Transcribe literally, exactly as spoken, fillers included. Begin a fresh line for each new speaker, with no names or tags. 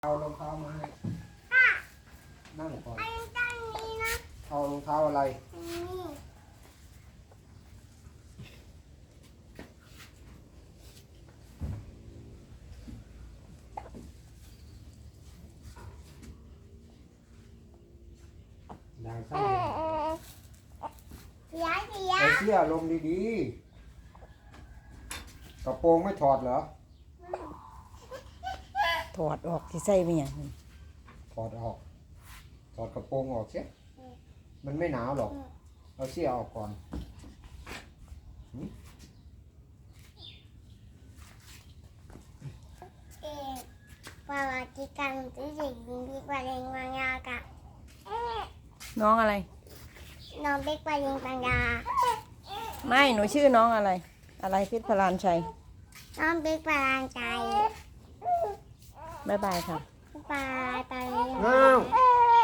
เอารองเท้ามาให้นั่งก่อน
อันนี้นะ
เอารองเท้าอะไร
นี่
ดังสั้น
เสียเสีย
ใส่เสื้อลงดีๆกระโปรงไม่ถอดเหรอ
ถอดออกที่ใส่ไม่ยัง
ถอดออกถอดกระโปรงออกเสียมันไม่หนาวหรอกเอาเสื้อออกก่อน
เอ๊ะปาราจิกันที่เด็กหญิงบิ๊กบาเลงบางยากะเอ๊ะ
น้องอะไร
น้องบิ๊กบาเลงบางยา
ไม่หนูชื่อน้องอะไร อะไรเพชรพลานชัย
น้องบิ๊กบาลานใจ
บ๊ายบายค่ะ
บายบาย
อ่า